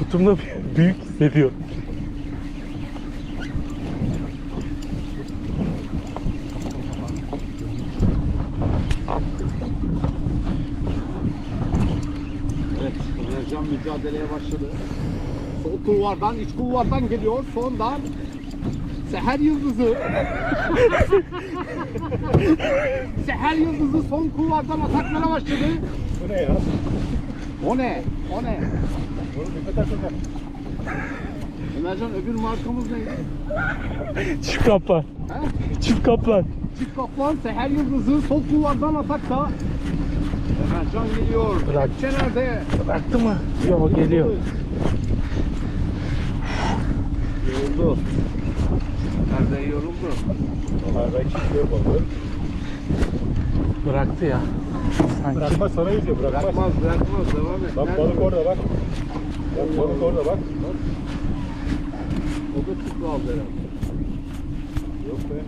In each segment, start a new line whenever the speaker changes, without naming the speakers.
sırtımda büyük hissediyorum.
Evet, Ercan mücadeleye başladı. Sol kulvardan, iç kulvardan geliyor. Sondan Seher Yıldızı. Seher Yıldızı son kulvardan ataklara başladı.
Bu ne ya?
O ne? O ne?
Bunu bir kadar kadar.
Ömercan, öbür markamız neydi?
Çift kaplan.
He?
Çift kaplan.
Çift Kaplan, Seher Yıldızı sol kulvardan atakta. Ömercan geliyor.
Bırak.
Kepçe nerede?
Bıraktı mı? Yok, geliyor.
Yoruldu. Nerede yoruldu?
Onlarda iki kilo balığı.
Bıraktı ya. Sanki.
Bırakmaz, sana yüzüyor, bırakmaz.
Bırakmaz, bırakmaz. Devam et.
Bak
Nerede?
balık orada bak. Bak balık orada bak.
O da çıktı aldı herhalde.
Yok be.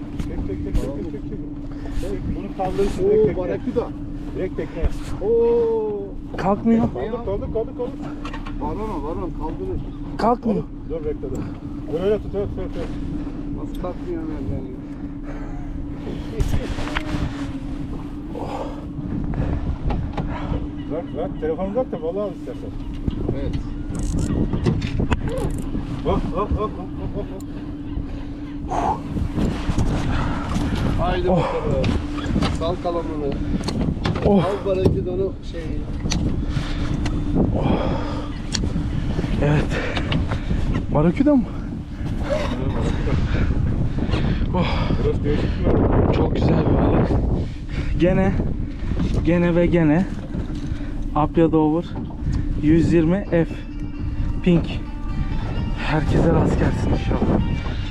Çek. Bunu kaldırırsın direkt
Oo,
tekneye.
Barakuda.
Direkt tekneye.
Oo.
Kalkmıyor.
Kaldır.
Varon kaldırır.
Kalkmıyor.
Dur bekle dur. Öyle tut.
Nasıl kalkmıyor Ömercan ya?
Bırak. Telefonu bırak da balığı al istersen.
Evet.
Hop.
Haydi bakalım. Sal kalamını.
Oh.
Al Barakuda'nın şeyi.
Evet. Barakuda mı? Oh.
Burası değişik mi?
Çok güzel bir balık. Gene Apya Dover 120 F Pink. Herkese rast gelsin inşallah.